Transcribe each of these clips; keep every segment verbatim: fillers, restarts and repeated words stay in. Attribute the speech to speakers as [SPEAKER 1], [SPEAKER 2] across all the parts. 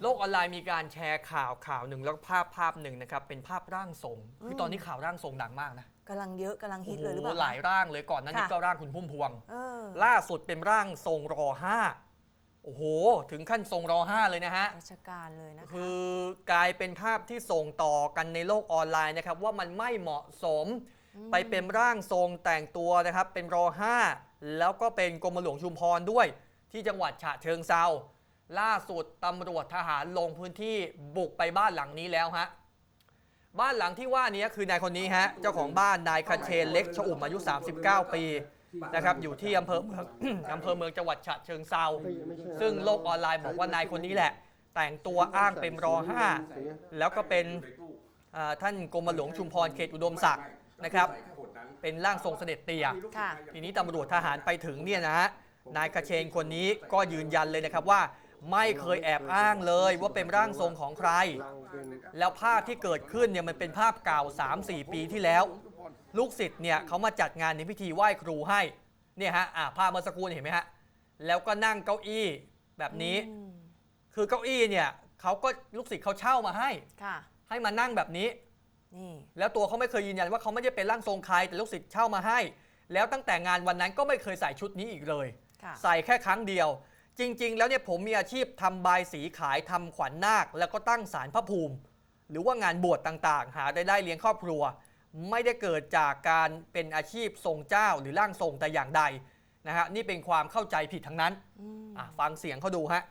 [SPEAKER 1] โลกออนไลน์มีการแชร์ข่าวข่าวหนึ่งแล้วภาพภาพหนึ่งนะครับเป็นภาพร่างทรงคือตอนนี้ข่าวร่างทรงดังมากนะ
[SPEAKER 2] กำลังเยอะกำลังฮิตเลยหรือเปล่า
[SPEAKER 1] หลายร่างเลยก่อนนั้นนี่ก็ร่างคุณพุ่มพวง
[SPEAKER 2] เออ
[SPEAKER 1] ล่าสุดเป็นร่างทรงรอห้าโอ้โหถึงขั้นทรงรอห้าเลยนะฮะ
[SPEAKER 2] ราชการเลยนะคะ
[SPEAKER 1] คือกลายเป็นภาพที่ส่งต่อกันในโลกออนไลน์นะครับว่ามันไม่เหมาะสมไปเป็นร่างทรงแต่งตัวนะครับเป็นรอห้าแล้วก็เป็นกรมหลวงชุมพรด้วยที่จังหวัดฉะเชิงเทราล่าสุดตำรวจทหารลงพื้นที่บุกไปบ้านหลังนี้แล้วฮะบ้านหลังที่ว่านี้คือนายคนนี้ฮะเจ้าของบ้านนายคเชนเล็กชอุ่มอายุสามสิบเก้าปีนะครับอยู่ที่อำเภอเมือง อำเภอเมืองจังหวัดฉะเชิงเทราซึ่งโลกออนไลน์บอกว่านายคนนี้แหละแต่งตัวอ้างเป็นรอห้าแล้วก็เป็นท่านกรมหลวงชุมพรเขตอุดมศักดิ์นะครับเป็นร่างทรงเสด็จเตี่ยทีนี้ตำรวจทหารไปถึงเนี่ยนะฮะนายคเชนคนนี้ก็ยืนยันเลยนะครับว่าไม่เคยแอบอ้างเลยว่าเป็นร่างทรงของใครแล้วภาพที่เกิดขึ้นเนี่ยมันเป็นภาพเก่า สามสี่ ปีที่แล้วลูกศิษย์เนี่ยเขามาจัดงานในพิธีไหว้ครูให้เนี่ยฮะอ่าภาพเมื่อสักครู่เห็นไหมฮะแล้วก็นั่งเก้าอี้แบบนี้คือเก้าอี้เนี่ยเขาก็ลูกศิษย์เขาเช่ามาให้ให้มานั่งแบบนี้แล้วตัวเขาไม่เคยยืนยันว่าเขาไม่ได้เป็นร่างทรงใครแต่ลูกศิษย์เช่ามาให้แล้วตั้งแต่งานวันนั้นก็ไม่เคยใส่ชุดนี้อีกเลยใส่แค่ครั้งเดียวจริงๆแล้วเนี่ยผมมีอาชีพทำบายสีขายทำขวัญนาคแล้วก็ตั้งศาลพระภูมิหรือว่างานบวชต่างๆหารายได้เลี้ยงครอบครัวไม่ได้เกิดจากการเป็นอาชีพทรงเจ้าหรือร่างทรงแต่อย่างใดนะฮะนี่เป็นความเข้าใจผิดทั้งนั้นฟังเสียงเขาดูฮะ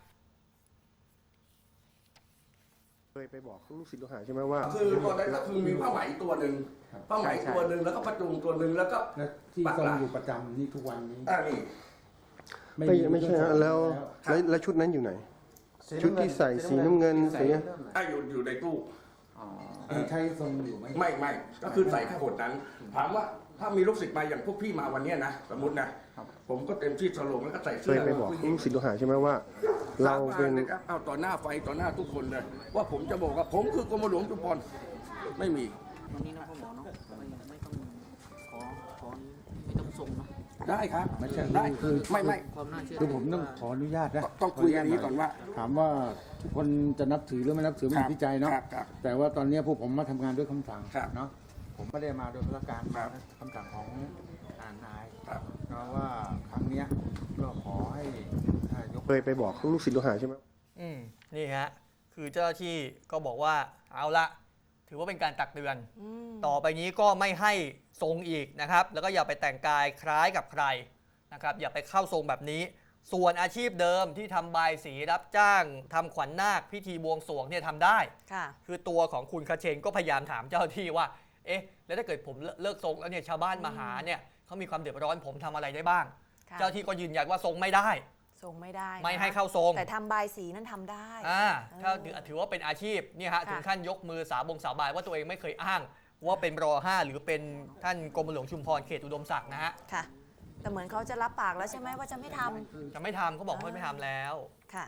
[SPEAKER 3] เคยไปบอกลูกศิษย์ลูกหาใช่ไหมว่า
[SPEAKER 4] คือตอนนั้นก็คือมีผ้าไหมตัวหนึ่งผ้าไหมตัวหนึ่งแล้วก็ประจุงตัวหนึ่งแล้วก็
[SPEAKER 5] ที่ทรงอยู่ประจำนี่ทุกวันนี้
[SPEAKER 4] อ่านี่
[SPEAKER 3] ไม่ไม่ใช่ฮะแล้วแล้วชุดนั้นอยู่ไหนชุดที่ใส่สีน้ำเงินสี
[SPEAKER 4] อ่าอยู่อยู่ในตู้
[SPEAKER 5] ใช้ทรงอยู่ไหม
[SPEAKER 4] ไม่ไม่ก็คือใส่แค่ขนนั้นถามว่าถ้ามีลูกศิษย์มาอย่างพวกพี่มาวันนี้นะสมมตินะผมก็เต็มที่สโลงแล้วก็ใส่เสื้อ
[SPEAKER 3] เคยไปบอกลูกศิษย์ลูกหาใช่ไหมว่าเราเป็น
[SPEAKER 4] เอาต่อหน้าไฟต่อหน้าทุกคนเลยว่าผมจะบอกว่าผมคือกรมหลวงชุมพรไม่มี
[SPEAKER 6] วันนี้นะพ่อหมอเนาะไม่ไม่ต้องขอขอไม่ต้องส่งเนาะ
[SPEAKER 4] ได้ครับ
[SPEAKER 5] ไม่ใช่
[SPEAKER 4] ได้
[SPEAKER 5] คือ
[SPEAKER 4] ไม่ไม่
[SPEAKER 6] ความน่าเชื่อ
[SPEAKER 5] คือผมต้องขออนุญาตนะ
[SPEAKER 4] ต้องคุยกันนี้ก่อนว่า
[SPEAKER 5] ถามว่าทุกคนจะนับถือหรือไม่นับถือไม่ที่ใจเนาะแต่ว่าตอนนี้พวกผมมาทำงานด้วยคำสั่งเนาะผมไม่ได้มาโดยพระการมาคำสั่งของอ่านนายเพราะว่าครั้งนี้ก็ขอให้ยก
[SPEAKER 3] เคยไปบอกลูกศิษย์ลูกหาใช่ไหม
[SPEAKER 1] อืมนี่ฮะคือเจ้าหน้าที่ก็บอกว่าเอาละถือว่าเป็นการตักเตือนต่อไปนี้ก็ไม่ให้ทรงอีกนะครับแล้วก็อย่าไปแต่งกายคล้ายกับใครนะครับอย่าไปเข้าทรงแบบนี้ส่วนอาชีพเดิมที่ทำบายสีรับจ้างทำขวัญนาคพิธีบวงสรวงเนี่ยทำได้คือตัวของคุณคเชนก็พยายามถามเจ้าหน้าที่ว่าเอ๊ะแล้วถ้าเกิดผมเลิกทรงแล้วเนี่ยชาวบ้านมาหาเนี่ยเขามีความเดือดร้อนผมทำอะไรได้บ้างเจ้าที่ก็ยืนยันว่าทรงไม่ได้
[SPEAKER 2] ทรงไม่ได้
[SPEAKER 1] ไม่ให้เข้าทรง
[SPEAKER 2] แต่ทำบายสีนั้นทำได้
[SPEAKER 1] อ่าถ้าถือว่าเป็นอาชีพเนี่ยฮะถึงขั้นยกมือสาบงสาบานว่าตัวเองไม่เคยอ้างว่าเป็นรอห้าหรือเป็นท่านกรมหลวงชุมพรเขตอุดมศักดิ์นะฮะ
[SPEAKER 2] ค่ะแต่เหมือนเขาจะรับปากแล้วใช่ไหมว่าจะไม่ทำ
[SPEAKER 1] จะไม่ทำเขาบอกว่าไม่ทำแล้ว
[SPEAKER 2] ค่ะ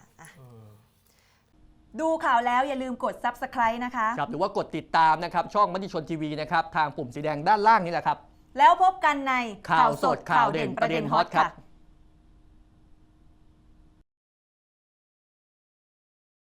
[SPEAKER 7] ดูข่าวแล้วอย่าลืมกด ซับสไครบ์ นะคะ
[SPEAKER 1] ครับหรือว่ากดติดตามนะครับช่องมติชนทีวีนะครับทางปุ่มสีแดงด้านล่างนี่แหละครับ
[SPEAKER 7] แล้วพบกันใน
[SPEAKER 1] ข่าวสดข่าวเด่นประเด็นฮอตครับ